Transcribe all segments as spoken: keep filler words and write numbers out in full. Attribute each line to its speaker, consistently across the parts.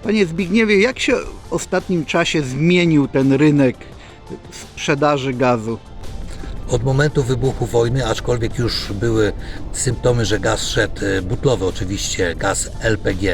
Speaker 1: Panie Zbigniewie, jak się w ostatnim czasie zmienił ten rynek sprzedaży gazu?
Speaker 2: Od momentu wybuchu wojny, aczkolwiek już były symptomy, że gaz szedł, butlowy oczywiście, gaz L P G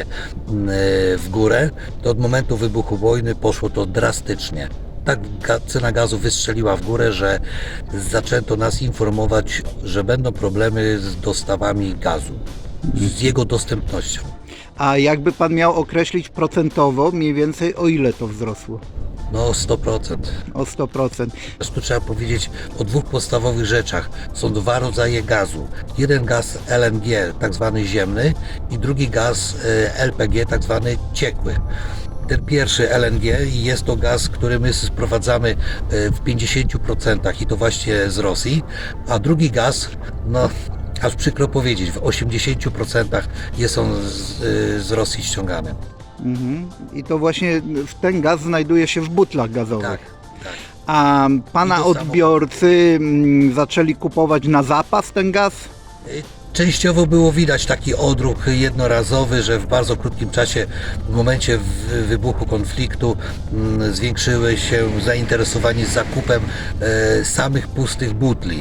Speaker 2: w górę, to od momentu wybuchu wojny poszło to drastycznie. Tak cena gazu wystrzeliła w górę, że zaczęto nas informować, że będą problemy z dostawami gazu, z jego dostępnością.
Speaker 1: A jakby pan miał określić procentowo, mniej więcej o ile to wzrosło?
Speaker 2: No sto procent.
Speaker 1: O sto procent.
Speaker 2: Tu trzeba powiedzieć o dwóch podstawowych rzeczach. Są dwa rodzaje gazu. Jeden gaz L N G, tak zwany ziemny, i drugi gaz L P G, tak zwany ciekły. Ten pierwszy L N G jest to gaz, który my sprowadzamy w pięćdziesięciu procentach i to właśnie z Rosji, a drugi gaz, no aż przykro powiedzieć, w osiemdziesięciu procentach jest on z, z Rosji ściągany.
Speaker 1: Mhm. I to właśnie ten gaz znajduje się w butlach gazowych.
Speaker 2: Tak, tak.
Speaker 1: A pana odbiorcy samo... zaczęli kupować na zapas ten gaz?
Speaker 2: Częściowo było widać taki odruch jednorazowy, że w bardzo krótkim czasie, w momencie wybuchu konfliktu, zwiększyły się zainteresowanie zakupem samych pustych butli.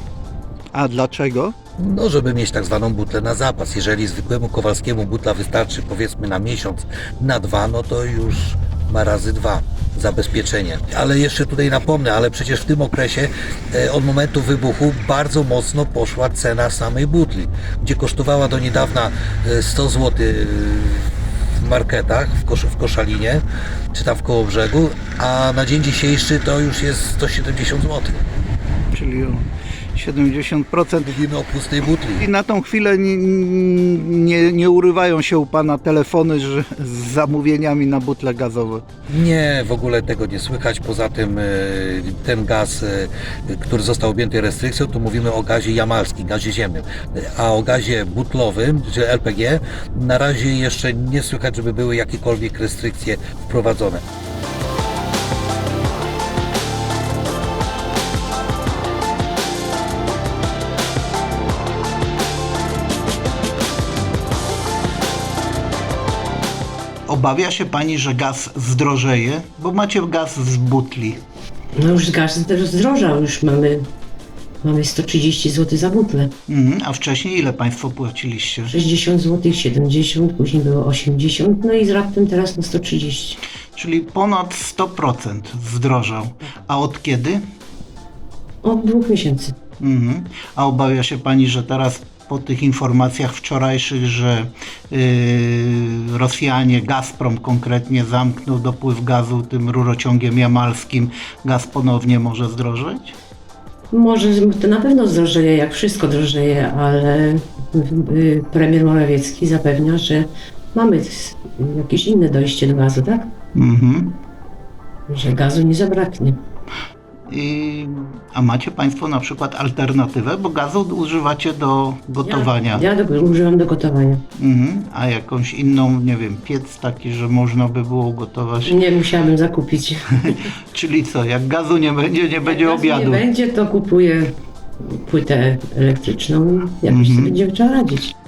Speaker 1: A dlaczego?
Speaker 2: No, żeby mieć tak zwaną butlę na zapas. Jeżeli zwykłemu Kowalskiemu butla wystarczy powiedzmy na miesiąc, na dwa, no to już ma razy dwa zabezpieczenie. Ale jeszcze tutaj napomnę, ale przecież w tym okresie od momentu wybuchu bardzo mocno poszła cena samej butli, gdzie kosztowała do niedawna sto złotych w marketach, w, Kosz w Koszalinie, czy tam w Kołobrzegu, a na dzień dzisiejszy to już jest sto siedemdziesiąt złotych.
Speaker 1: Czyli o siedemdziesiąt procent.
Speaker 2: Mówimy o pustej butli.
Speaker 1: I na tą chwilę nie, nie, nie urywają się u pana telefony że, z zamówieniami na butle gazowe?
Speaker 2: Nie, w ogóle tego nie słychać. Poza tym ten gaz, który został objęty restrykcją, to mówimy o gazie jamalskim, gazie ziemnym. A o gazie butlowym, czy L P G, na razie jeszcze nie słychać, żeby były jakiekolwiek restrykcje wprowadzone.
Speaker 1: Obawia się pani, że gaz zdrożeje? Bo macie gaz z butli.
Speaker 3: No już gaz też zdrożał, już mamy, mamy sto trzydzieści złotych za butlę.
Speaker 1: Mhm, a wcześniej ile państwo płaciliście?
Speaker 3: sześćdziesiąt złotych, siedemdziesiąt, później było osiemdziesiąt, no i z raptem teraz na sto trzydzieści.
Speaker 1: Czyli ponad sto procent zdrożał. A od kiedy?
Speaker 3: Od dwóch miesięcy.
Speaker 1: Mhm. A obawia się pani, że teraz po tych informacjach wczorajszych, że yy, Rosjanie, Gazprom konkretnie zamknął dopływ gazu tym rurociągiem jamalskim, gaz ponownie może zdrożeć?
Speaker 3: Może to na pewno zdrożeje, jak wszystko drożeje, ale y, premier Morawiecki zapewnia, że mamy jakieś inne dojście do gazu, tak?
Speaker 1: Mhm.
Speaker 3: Że gazu nie zabraknie.
Speaker 1: I, a macie państwo na przykład alternatywę, bo gazu używacie do gotowania.
Speaker 3: Ja, ja do, używam do gotowania.
Speaker 1: Mhm. A jakąś inną, nie wiem, piec taki, że można by było gotować?
Speaker 3: Nie musiałabym zakupić.
Speaker 1: Czyli co, jak gazu nie będzie, nie będzie
Speaker 3: jak
Speaker 1: obiadu?
Speaker 3: Nie będzie, to kupuję płytę elektryczną, jakoś
Speaker 1: Mhm.
Speaker 3: sobie będziemy trzeba radzić.